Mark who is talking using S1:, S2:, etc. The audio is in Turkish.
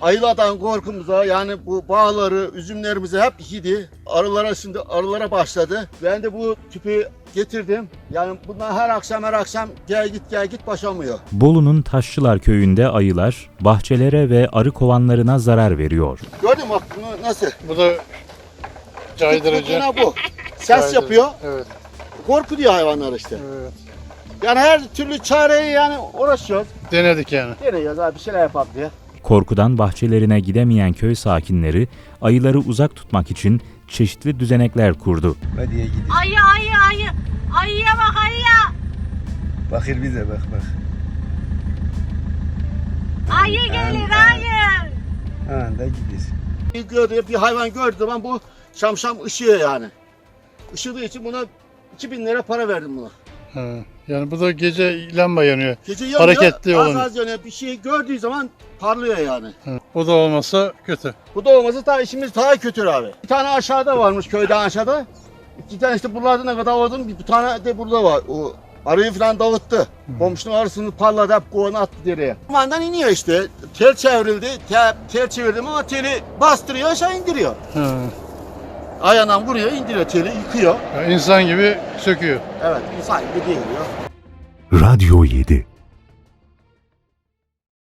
S1: Ayılardan korkumuza, yani bu bağları, üzümlerimizi hep yedi. Arılara başladı. Ben de bu tüpü getirdim. Yani bunlar her akşam gel git başlamıyor.
S2: Bolu'nun Taşçılar köyünde ayılar bahçelere ve arı kovanlarına zarar veriyor.
S1: Gördün mü bak bunu nasıl?
S3: Bu da caydırıcı.
S1: Yine bu. Ses
S3: Caydırıcı.
S1: yapıyor.
S3: Evet.
S1: Korkutuyor hayvanlar işte.
S3: Evet.
S1: Yani her türlü çareyi yani uğraşıyoruz.
S3: Denedik yani.
S1: Deniyoruz abi, bir şeyler yapalım diye.
S2: Korkudan bahçelerine gidemeyen köy sakinleri ayıları uzak tutmak için çeşitli düzenekler kurdu.
S4: Hadiye gidiyor.
S5: Ayı. Ayıya bak ayıya.
S4: Bakır bize bak.
S5: Ayı gelir ayı.
S4: Ha da gidiyor.
S1: Bir hayvan gördüğü zaman bu şam ışıyor yani. Işıdığı için buna 2000 lira para verdim buna.
S3: Ha. Yani bu da gece lamba yanıyor.
S1: Gece yanıyor,
S3: Hareketli
S1: az
S3: olun.
S1: yanıyor. Bir şey gördüğü zaman parlıyor yani.
S3: Ha. O da olmasa kötü.
S1: Bu da olmasa daha işimiz daha kötü abi. Bir tane aşağıda varmış, köyden aşağıda. İki tane işte buralarda ne kadar vardı, bir tane de burada var. O arıyı falan davıttı. Komşunun arısını parladı, hep kovanı attı dereye. Kumandan iniyor işte. Tel çevrildi. Tel çevirdim ama teli bastırıyor, aşağı indiriyor.
S3: Ha.
S1: Ayağından vuruyor, indiriyor teli, yıkıyor.
S3: Yani insan gibi söküyor.
S1: Evet, insan gibi değil ya.
S6: Radyo 7